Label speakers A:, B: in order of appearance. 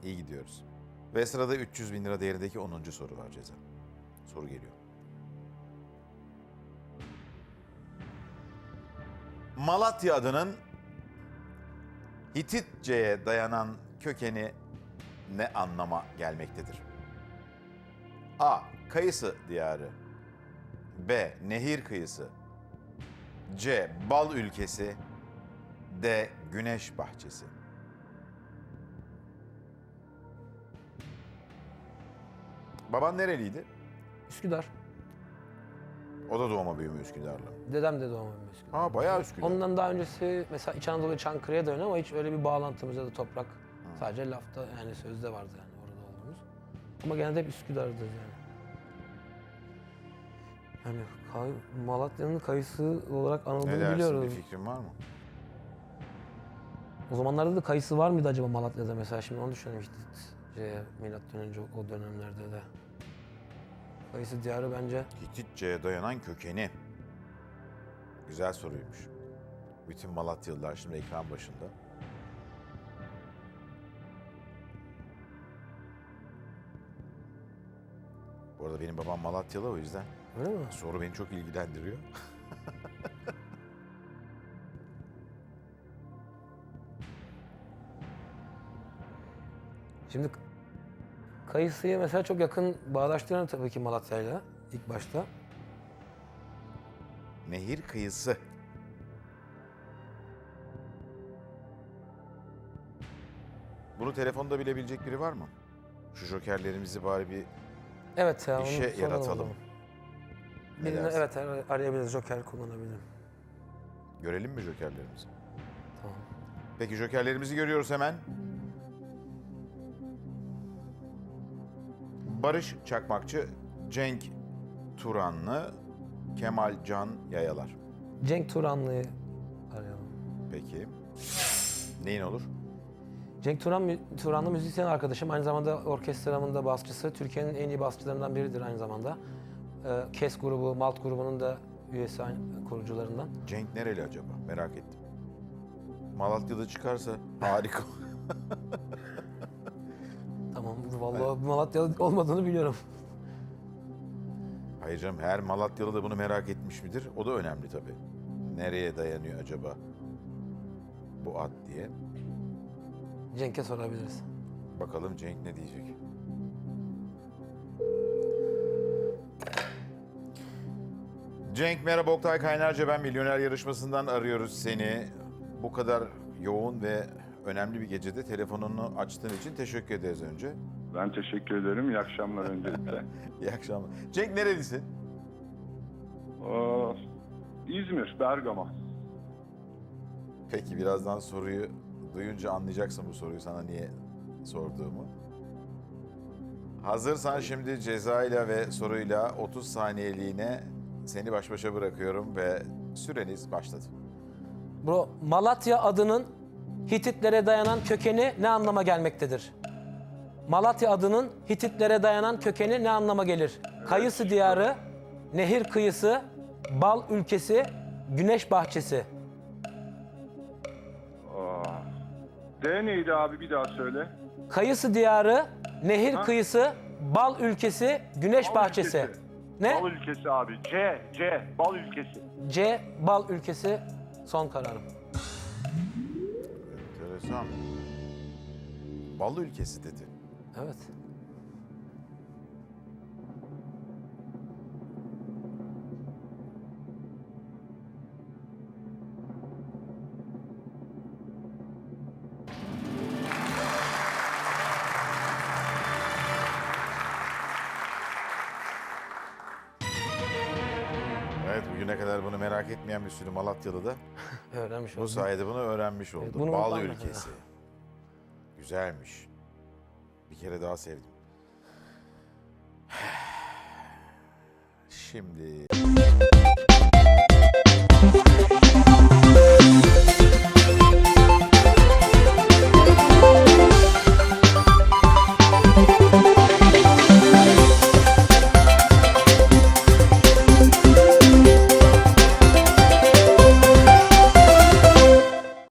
A: İyi gidiyoruz. Ve sırada 300 bin lira değerindeki 10. soru var Ceza. Soru geliyor. Malatya adının Hititçe'ye dayanan kökeni ne anlama gelmektedir? A. Kayısı diyarı. B. Nehir kıyısı. C. Bal ülkesi. D. Güneş bahçesi. Baban nereliydi?
B: Üsküdar.
A: O da doğma büyüme Üsküdarlı.
B: Dedem de doğma büyüme Üsküdar.
A: Ha bayağı Üsküdar.
B: Ondan daha öncesi mesela İç Anadolu Çankırı'ya da ama hiç öyle bir bağlantımız ya da toprak. Sadece lafta yani sözde vardı yani orada olduğumuz. Ama genelde hep Üsküdar'dayız yani. Yani Malatya'nın kayısı olarak
A: Ne
B: anıldığını
A: dersin,
B: biliyoruz.
A: bir fikrin var mı?
B: O zamanlarda da kayısı var mıydı acaba Malatya'da mesela? Şimdi onu düşünüyorum işte milattan önce o dönemlerde de. Kayısı diyarı bence
A: Hititçe'ye dayanan kökeni. Güzel soruymuş. Bütün Malatyalılar şimdi ekran başında. Bu arada benim babam Malatyalı, o yüzden
B: öyle mi?
A: soru beni çok ilgilendiriyor.
B: Şimdi kayısıyı mesela çok yakın bağdaştıran tabii ki Malatya'yla ilk başta.
A: Nehir kıyısı. Bunu telefonda bilebilecek biri var mı? Şu jokerlerimizi bari bir
B: Evet ya, onu
A: işe
B: soralım o
A: yaratalım.
B: zaman.
A: Ne
B: Birini
A: dersin?
B: evet arayabiliriz, joker kullanabilirim.
A: Görelim mi jokerlerimizi?
B: Tamam.
A: Peki jokerlerimizi görüyoruz hemen. Barış Çakmakçı, Cenk Turanlı, Kemal Can Yayalar.
B: Cenk Turanlı'yı arayalım.
A: Peki. Neyin olur?
B: Cenk Turanlı müzisyen arkadaşım. Aynı zamanda orkestramın da basçısı. Türkiye'nin en iyi basçılarından biridir aynı zamanda. KES grubu, Malt grubunun da üyesi, kurucularından.
A: Cenk nereli acaba? Merak ettim. Malatya'da çıkarsa harika.
B: Tamam, vallahi Malatyalı olmadığını biliyorum.
A: Hayır canım, her Malatyalı da bunu merak etmiş midir? O da önemli tabii. Nereye dayanıyor acaba bu ad diye.
B: Cenk'e sorabiliriz.
A: Bakalım Cenk ne diyecek? Cenk merhaba, Oktay Kaynarca ben, Milyoner Yarışması'ndan arıyoruz seni. Bu kadar yoğun ve önemli bir gecede telefonunu açtığın için teşekkür ederiz önce.
C: Ben teşekkür ederim. İyi akşamlar öncelikle.
A: İyi akşamlar. Cenk nerelisin?
C: İzmir, Bergama.
A: Peki birazdan soruyu duyunca anlayacaksın bu soruyu sana niye sorduğumu. Hazırsan şimdi cezayla ve soruyla 30 saniyeliğine seni baş başa bırakıyorum ve süreniz başladı.
B: Bro, Malatya adının Hititlere dayanan kökeni ne anlama gelmektedir? Malatya adının Hititlere dayanan kökeni ne anlama gelir? Kayısı diyarı, nehir kıyısı, bal ülkesi, güneş bahçesi.
C: D neydi abi, bir daha söyle.
B: Kayısı diyarı, nehir kıyısı, bal ülkesi, güneş
C: Bal
B: bahçesi.
C: ülkesi.
B: Ne?
C: Bal ülkesi abi. C. Bal ülkesi.
B: C. Bal ülkesi. Son kararım.
A: Enteresan. Bal ülkesi dedi.
B: Evet.
A: Evet, bugüne kadar bunu merak etmeyen bir sürü Malatyalı da
B: Öğrenmiş
A: bu
B: oldum.
A: sayede bunu öğrenmiş oldu.
B: bunu
A: Bal
B: unutmam
A: ülkesi. Güzelmiş. Bir kere daha sevdim. Şimdi...